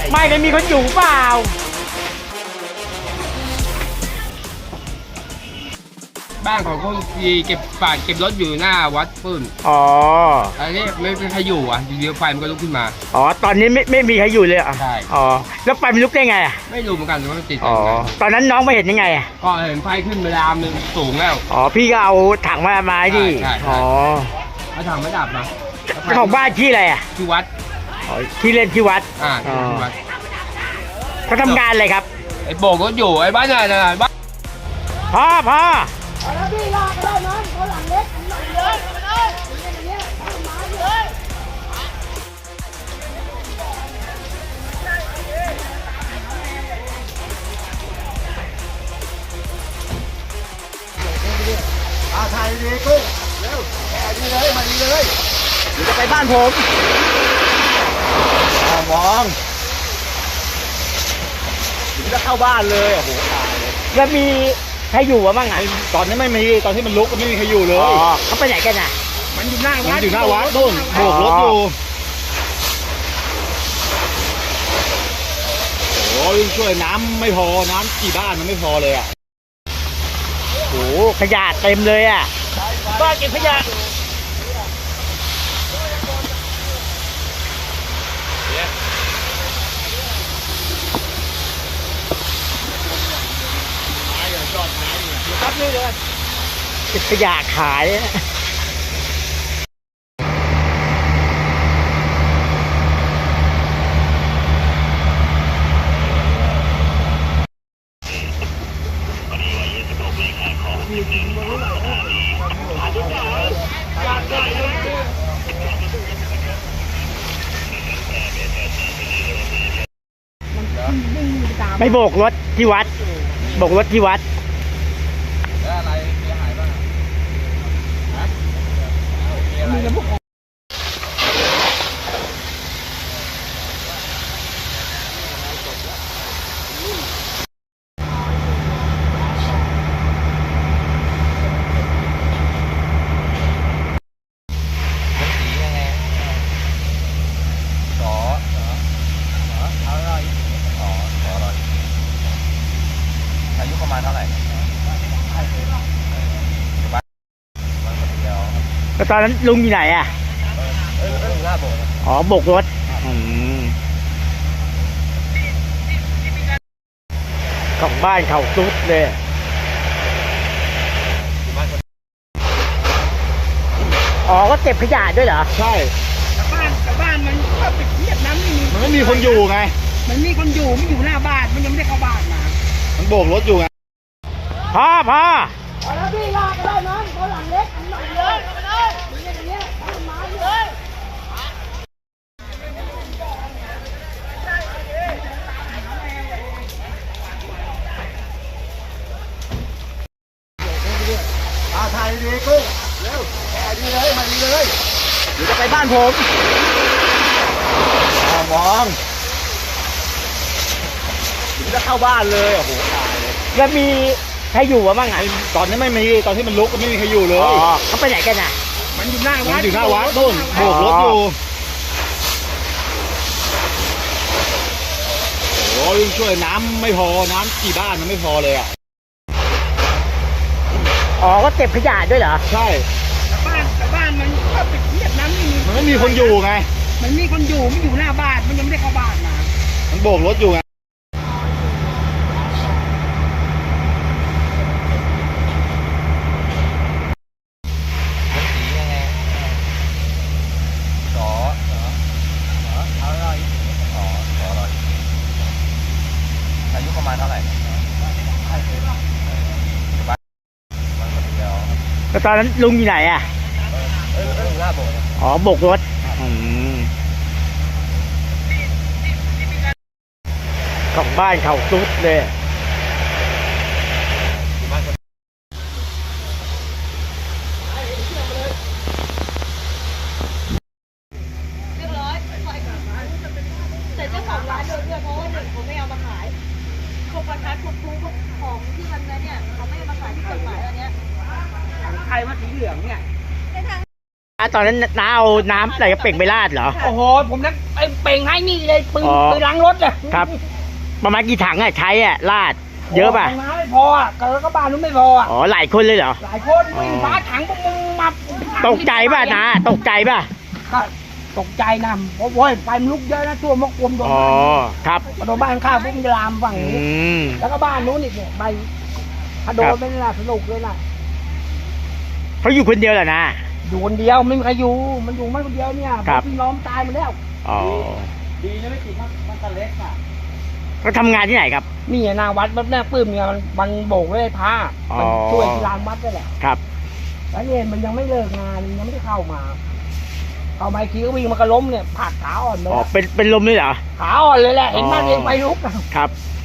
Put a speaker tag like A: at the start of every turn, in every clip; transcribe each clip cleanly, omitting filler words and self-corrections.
A: ไม่ได้มีคนอยู่เปล่า
B: บ้านของคนที่เก็บฝาดเก็บรถอยู่หน้าวัดปื้น
A: อ๋อ
B: อันนี้ไม่เป็นใครอยู่อ่ะเดี๋ยวไฟมันก็ลุกขึ้นมา
A: อ๋อตอนนี้ไม่มีใครอยู่เลยอ่ะ
B: ใช่
A: อ๋อแล้วไฟมันลุกได้ไงอ่ะ
B: ไม่รู้เหมือนกันว่ามันติด
A: อ๋อตอนนั้นน้องมาเห็นยังไงอ่ะ
B: ก็เห็นไฟขึ้นเวลามันสูงแล้ว
A: อ๋อพี่ก็เอาถังมาไม้ดิอ๋อ
B: เอาถังมาดับมา
A: ของบ้านที่อะไรอ่ะ
B: ที่วัด
A: อ๋อที่เล่นที่วัด
B: ที่วัด
A: เขาทำงานอะไรครับ
B: ไอ้โบกรถอยู่ไอ้บ้านไหนบ้าน
A: พ่อ
C: แล้วพี่ลากได้ไหมเขาหลังเล็กหลังเยอะเลยมาเลย
D: ถ่ายดีกุ้งเร็วดีเลยมาดีเลยเดี๋ยวจะไปบ้านผมมองเดี๋ยวจะเข้าบ้านเลยโอ้โหตายเลย
A: แล้วมีใครอยู่วะบ้างอ่ะ
D: ตอนนี้ไม่มีตอนที่มันลุกก็ไม่มีใครอยู่เลย
A: อ๋อเขาไปไหนกันอ่ะ
D: มันอยู่หน้าวัดนู่นโบกรถอยู่โอ้ยช่วยน้ำไม่พอน้ำกี่บ้านมันไม่พอเลยอ่ะ
A: โอ้ขยะเต็มเลยอ่ะบ้านเก็บขยะเก็บขยะขายไม่โบกรถที่วัดโบกรถที่วัด
B: อะไรเสียหายบ้างอายุประมาณเท่าไหร่
A: แล้วตอนนั้นลุงอยู่ไหนอ่ะอ๋อโบกรถของบ้านเขาซุดเลยอ๋อก็เก็บขยะด้วยเหรอ
D: ใช่
C: แต่บ้านมันก็ปิดเงียบน้ำ
D: มันไม่มีคนอยู่ไง
C: มันมีคนอยู่ไม่อยู่หน้าบ้านมันยังไม่ได้เข้าบ้านมา
D: มันโบกรถอยู่ไง
A: พ่อ
C: แล้วพี่ลากได้ไหมเขาหลังเล็กหลังเยอะเลยมาเลย
D: ถ่ายดีกุ้งเร็วดีเลยมาดีเลยเดี๋ยวจะไปบ้านผมมองเดี๋ยวจะเข้าบ้านเลยโอ้โหตายเลย
A: แล้วมีใครอยู่วะบ้างอ่ะ
D: ตอนนี้ไม่มีตอนที่มันลุกก็ไม่มีใครอยู่เลย
A: อ๋อเขาไปไหนกันอ่ะ
C: มันอยู่หน้า
D: วัดนู่นโบกรถอยู่โอ้ยช่วยน้ำไม่พอน้ำกี่บ้านมันไม่พอเลยอ่ะ
A: อ๋อก็เก็บขยะด้วยเหรอ
D: ใช่
C: แต่บ้านมันก็ปิดเงียบน้ำ
D: มันไม่มีคนอยู่ไง
C: มันมีคนอยู่ไม่อยู่หน้าบ้านมันยังไม่ได้เข้าบ้านมา
D: มันโบกรถอยู่ไง
B: อายุประมาณเท่าไหร่
A: แล้วตอนนั้นลุงอยู่ไหนอ่ะอ๋อโบกรถของบ้านเขาซุดเลย
E: แต่เจ้าของร้านโดนด้วยเพราะว่าหนึ่งเขาไม่เอามาขายพวกประทัดพวกพลุของที่มันเนี่ยเขาไม่เอามาขายที่กฎหมายอันเนี้ย
C: ใครมาสีเหลืองเนี่ย
A: ตอนนั้นน้าเอาน้ำใส่กระเป๋งไปราดเหรอ
C: โอ้โหผมนักไอ้เป่งให้นี่เลยปืน
A: อ๋อ
C: ปืนล้างรถอะ
A: ครับ ประมาณกี่ถังอะใช้อะลาดเยอะป่ะ
C: โน้ำไม่พออะแล้วก็บ้านนู้นไม่พออะ
A: อ๋อหลายคนเลยเหรอ
C: หลายคนวิ่งฟ้าถังพวกมึงมา
A: ตกใจป่ะนะตกใจป่ะ
C: ก็ตกใจนะเพราะว่าไฟมันลุกเยอะนะตัวมกกลมโดน
A: อ๋อครับ
C: โดนบ้านข้างพวกมันจะลามฝั่ง
A: อื
C: นี้
A: ม
C: แล้วก็บ้านนู้นอีกเนี่ยใบถ้าโด
A: ครั
C: น
A: บ
C: ไม่น่าสนุกเลยนะ
A: เขาอยู่คนเดียวเหรอนะ
C: อยู่คนเดียวไม่มีใครอยู่มันอยู่มันคนเดียวเนี่ย
A: ครับ
C: พี่น้องตายหมดแล้ว
A: อ๋อ
D: ดีนะไม่ติดมันตะเล็กอ่ะ
A: เขาทำงานที่ไหนครับ
C: นี่หนาวัดแม่ปื้มเนี่ยมันโบกเลยผ้า
A: อ๋อ
C: มันช่วยที่ลานวัดนี่แหละ
A: ครับ
C: แล้วเนี่ยมันยังไม่เลิกงานยังไม่ได้เข้ามาอีกทีก็วิ่งมากระล้มเนี่ยผลักขาอ่อนเลย
A: อ๋อเป็นลมเลยเหรอ
C: ขาอ่อนเลยแหละเห็นมันเองไฟลุกอะ
A: ครับ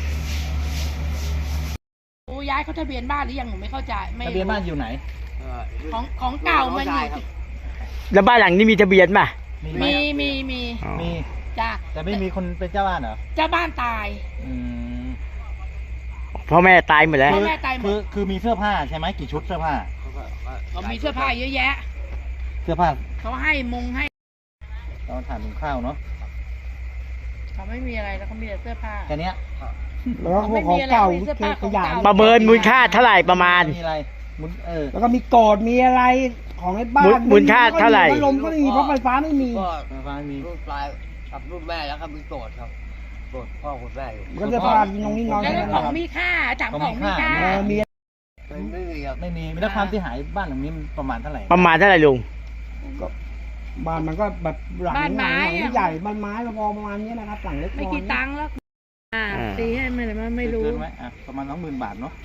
E: โอ้ย้ายเขาทะเบียนบ้านหรือยังหนูไม่เข้าใจไม่
D: ทะเบียนบ้านอยู่ไหน
E: ของเก่ามันอยู่
A: แล้วบ้านหลังนี้มีทะเบียนป่ะ
D: มีไหม
E: มี
A: อ๋อ
D: มี
E: จ้ะ
D: แต่ไม่มีคนเป็นเจ้าบ้านเหรอ
E: เจ้าบ้านตาย
D: อืม
A: พ่อแม่ตายหมดแล้ว
E: พ่อแม่ตายหมด
D: คือมีเสื้อผ้าใช่ไหมกี่ชุดเสื้อผ้า
E: เขามีเสื้อผ้าเยอะแยะ
D: เสื้อผ้า
E: เขาให้ให้
D: ตอนถ่านหุงข้าวเนาะ
E: เขาไม่มีอะไรแล้วเขามีแต่เสื้อผ้า
D: แค่เนี้ย
C: แล้วก็พวกของเก่า
E: ไม่มีอะไรมีเสื้อผ้าของ
C: ขยะ
E: เก่า
A: ประเมินมูลค่าเท่าไหร่ประมาณ
D: มีอะไรมุน
C: แล้วก็มีกอดมีอะไรของไอ้บ้าน
A: มูลค่าเท่าไหร่
C: พัดลมก็ไม่มีเพราะไฟฟ้าไม่มี
F: ก็
D: ไฟฟ้ามี
F: รุ่นปลายกับรุ่นแม่แล้วครับมีโกรธครับโกรธพ่อคุณแม่อยู่
C: ก็จะพากินตรงนี้นอน
E: แล้ว
C: กัน
E: ของมีค่าถังของมีค่า
C: มี
F: ไม่มีครับ
D: ไม่มีแล้วความเสียหายบ้านหลังนี้มันประมาณเท่าไหร่
A: ประมาณเท่าไหร่ลุง
C: บ้านมันก็แบบหลัง
E: บ้านไม้
C: หลังใหญ่บ้านไม้พอประมาณนี้นะครับหลังเล็ก
E: ไม่กี่ตังค์แล้วตีให้ไม่รู้
D: เกินไหมอ่ะประมาณ20,000 บาทเนาะ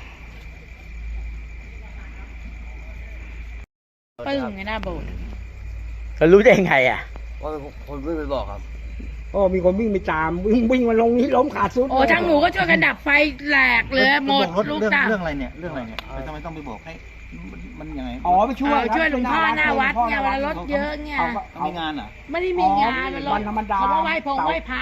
E: ปึ้งไงหน้าโบสถ์
A: เรารู้ได้ยังไงอ่ะ
F: ว่าคนวิ่งไปบอกครับ
C: โอ้มีคนวิ่งไปตามวิ่งมาลงนี้ล้มขาดสุด
E: โอ้ทางหนูก็ช่วยกันดับไฟแหลกเลยหมด
D: รถ
E: ลูก
D: เรื่อง
E: ตา
D: เรื่องอะไรเนี่ยเรื่องอะไรเนี่ยทำไมต้องไปบอกให้มันยังไง
C: อ๋อไปช่วย
E: ช่วยหลวงพ่อหน้าวัดเนี่ยเวลารถเยอะเนี่ย
D: เขามีงานเหรอ
E: ไม่ได้มีงานมันรถ
C: วันธรรมดา
E: เขามาไหว้พระ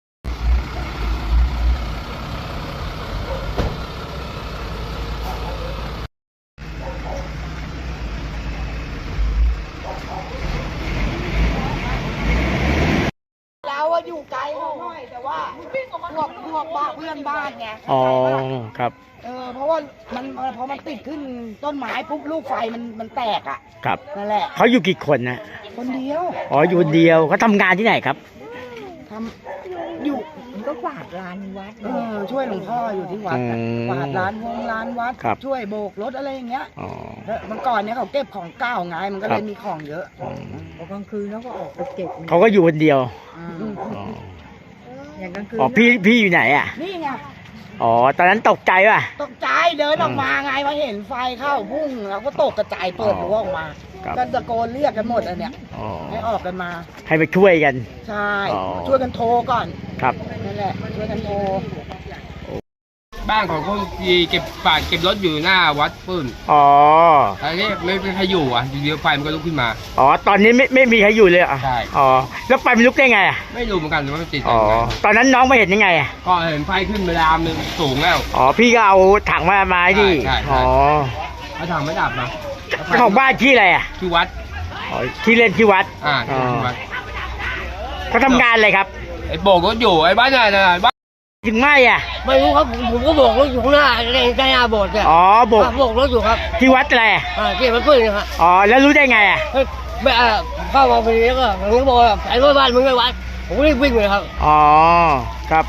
C: เราอะอยู่ไกลเขาหน่อยแต่ว่าพวกบ้านเพื่อนบ้านไง
A: อ๋อครับ
C: เพราะว่ามันพอมันติดขึ้นต้นไม้ปุ๊บลูกไฟมันแตกอ่ะ
A: ครับ
C: นั่นแหละ
A: เขาอยู่กี่คนนะ
C: คนเดียว
A: อ๋ออยู่คนเดียวเขาทำงานที่ไหนครับ
C: ทำอยู่ก็กวาดลานวัดช่วยหลวงพ่ออยู่ที่วัดอะ
A: อืม
C: กวาดลานวัด
A: ครับ
C: ช่วยโบกรถอะไรอย่างเงี้ย
A: อ๋อ
C: แล้วเมื่อก่อนเนี่ยเขาเก็บของเก่าไงมันก็เล
A: ครั
C: ย
A: บ
C: มีของเยอะ
A: อืม
C: กลางคืนแล้วก็ออกไปเก็บ
A: เขาก็อยู่คนเดียวอ๋อ
C: อย่างกลางคืน
A: อ๋อพี่อยู่ไหนอ่ะ
C: นี่ไง
A: อ๋อตอนนั้นตกใจป่ะ
C: ตกใจเดินออกมาไงพอเห็นไฟเข้าพุ่งเราก็ตกกระจายเปิดรั้วออกมา
A: ครับ
C: ก็ตะโกนเรียกกันหมดอันเนี้ย
A: อ๋อ
C: ให้ออกกันมา
A: ให้ไปช่วยกัน
C: ใช่
A: อ๋อ
C: ช่วยกันโทรก่อน
A: ครับ
C: นั่นแหละช่วยกันโทร
B: บ้านของคนที่เก็บฝาดเก็บรถอยู่หน้าวัดปื้น
A: อ๋อ
B: อันนี้ไม่เป็นใครอยู่อ่ะอยู่เดียวไฟมันก็ลุกขึ้นมา
A: อ๋อตอนนี้ไม่มีใครอยู่เลยเหรอ่ะ
B: ใช่
A: อ๋อแล้วไฟมันลุกได้ไงอ่ะ
B: ไม่รู้เหมือนกันว่ามันติด
A: อ๋อ
B: ยังไง
A: ตอนนั้นน้องไม่เห็นยังไงอ่ะ
B: ก็เห็นไฟขึ้นไปลามหนึ่งสูงแล้ว
A: อ๋อพี่ก็เอาถังมาไม้ดิ
B: ใช่ใช่
A: อ๋อ
B: ถ้าทางไม่ดับนะ
A: เจ้าของบ้านที่อะไรอ่ะ
B: ที่วัด
A: อ๋อที่เล่นที่วัด
B: ที่วัด
A: เขาทำงานอะไรครับ
B: ไอ้โบกรถอยู่ไอ้บ้านเนี่ยนะบ้าน
A: ถึงไหมอ่ะ
F: ไม่รู้ครับผมก็บอกรถอยู่ข้างหน้าในหน้าโบสถ์เนี่ย
A: อ๋อโบก
F: บอกรถอยู่ครับ
A: ที่วัดอะไรอ่ะ
F: ที่มันปื้นนะครับ
A: อ๋อแล้วรู้ได้ไงอ่ะ
F: ไม่เข้ามาพอดีแล้วก็ผมก็บอกว่าไอ้รถบ้านมึงไม่วัดผมก็รีบวิ่งเลยครับ
A: อ๋อครับ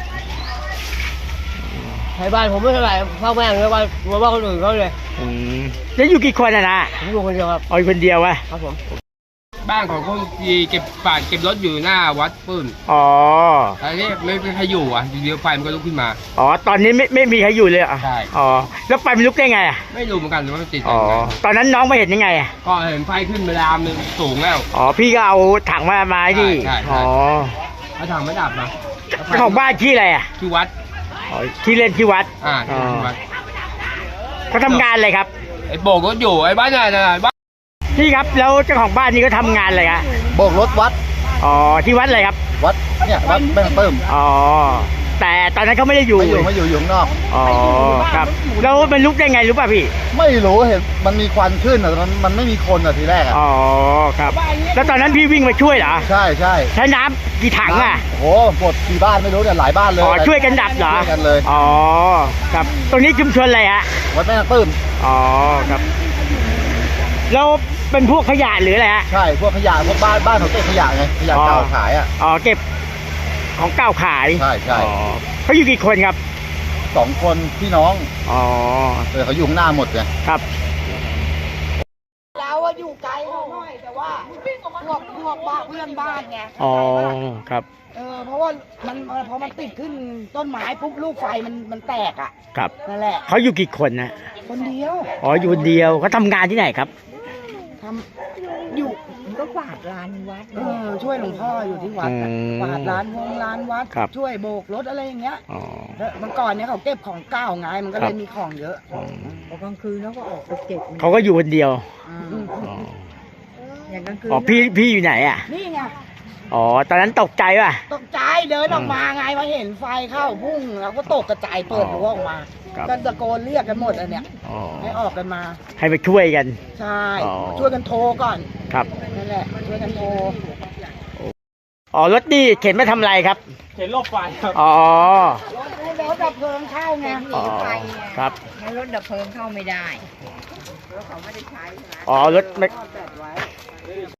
F: ไอ้บ้านผมไม่เท่าไหร่พ่อแม่เลยว่าคนอื่นเขาเลย
A: อืมแล้วอยู่กี่คนอ่ะนะ
F: ผมอยู่คนเดียวครับ
A: อ๋ออยู่คนเดียววะ
F: ครับผม
B: บ้านของคนที่เก็บฝาดเก็บรถอยู่หน้าวัดปื้น
A: อ๋อ
B: อันนี้ไม่เป็นใครอยู่อ่ะอยู่เดียวไฟมันก็ลุกขึ้นมา
A: อ๋อตอนนี้ไม่มีใครอยู่เลยเหรอ่ะ
B: ใช่
A: อ๋อแล้วไฟมันลุกได้ไงอ่ะ
B: ไม่รู้เหมือนกันว่ามันติด
A: อ๋อ
B: ยังไง
A: ตอนนั้นน้องไม่เห็นยังไงอ่ะ
B: ก็เห็นไฟขึ้นไปลามหนึ่งสูงแล้ว
A: อ๋อพี่ก็เอาถังมาไม้ดิ
B: ใช่ใช่
A: อ๋อ
B: ถ้าทางไม่ดับนะ
A: เจ้าของบ้านที่อะไรอ่ะ
B: ที่วัด
A: อ๋อที่เล่นที่วัด
B: ที่วัด
A: เขาทำงานอะไรครับ
B: ไอ้โบกรถอยู่ไอ้บ้านเนี่ยนะบ้าน
A: พี่ครับแล้วเจ้าของบ้านนี่ก็ทำงานอะไรฮะ
D: โบกรถวัด
A: อ๋อที่วัดอะไรครับ
D: วัดเนี่ยวัดแม่งเติม
A: อ๋อแต่ตอนนั้นเขาไม่ได้อยู่
D: ไม่อยู่อยู่ข้างนอก
A: อ๋อครับแล้วมันลุกได้ไงรู้ป่ะพี่
D: ไม่รู้เห็นมันมีควันขึ้นอ่ะมันไม่มีคนอ่ะทีแรกอ่ะ
A: อ๋อครับแล้วตอนนั้นพี่วิ่งมาช่วยเหรอ
D: ใช่ใช่
A: ใช้น้ำกี่ถังอ่ะ
D: โอ้โหหมดกี่บ้านไม่รู้เนี่ยหลายบ้านเลย
A: อ๋อช่วยกันดับเหรอ
D: ช่วยกันเลย
A: อ๋อครับตรงนี้ชุมชนอะไรฮะ
D: วัดแม่นางตื้น
A: อ๋อครับแล้วเป็นพวกขยะหรืออะไรฮะ
D: ใช่พวกขยะพวกบ้านเขาเก็บขยะไงขยะเก่าขายอ่ะ
A: อ๋อเก็บของเก่าขาย
D: ใช่ใช่
A: อ๋อเขาอยู่กี่คนครับ
D: 2 คนพี่น้อง
A: อ๋อ
D: เขาอยู่ข้างหน้าหมดไง
A: ครับ
C: เราอะอยู่ไกลเขาหน่อยแต่ว่าพวกบ้านเพื่อนบ้านไง
A: อ๋อครับ
C: เพราะว่ามันพอมันติดขึ้นต้นไม้ปุ๊บลูกไฟมันแตกอ่ะ
A: ครับ
C: นั่นแหละ
A: เขาอยู่กี่คนนะ
C: คนเดียว
A: อ๋ออยู่คนเดียวเขาทำงานที่ไหนครับ
C: ทำอยู่
E: ก็กวาดลานวัด
C: ช่วยหลวงพ่ออยู่ที่วัดอะ
A: อืม
C: กวาดร้านวัด
A: ครับ
C: ช่วยโบกรถอะไรอย่างเงี้ย
A: อ๋อ
C: แล้วเมื่อก่อนเนี่ยเขาเก็บของเก่าไงมันก็เล
A: ครั
C: ย
A: บ
C: มีของเยอะ
A: อ๋อก
E: ลางคืนแล้วก็ออกไปเก็บ
A: เขาก็อยู่คนเดียว
C: อืม
A: อ๋อ
E: อย่างกลางคืน
A: อ๋อพี่อยู่ไหนอ่ะ
C: นี่ไง
A: อ๋อตอนนั้นตกใจป่ะ
C: ตกใจเดินออกมาไงมาเห็นไฟเข้าพุ่งเราก็ตกกระจายเปิดรั้วออกมา
A: ครับ
C: ก็ตะโกนเรียกกันหมดอันเนี้ย
A: อ๋อ
C: ให้ออกกันมา
A: ให้ไปช่วยกัน
C: ใช่
A: อ๋อ
C: ช่วยกันโทรก่อน
A: ครับ
C: นั่นแหละช่วยกันโทร
A: อ๋อรถนี่เข็นมาทำอะไรครับ
B: เห็นรอบไฟครับ
A: อ๋อ
C: รถดับเพลิงเข้าไง
A: อ๋อครับ
E: งั้นรถดับเพลิงเข้าไม่ได้
A: อ๋อรถไม่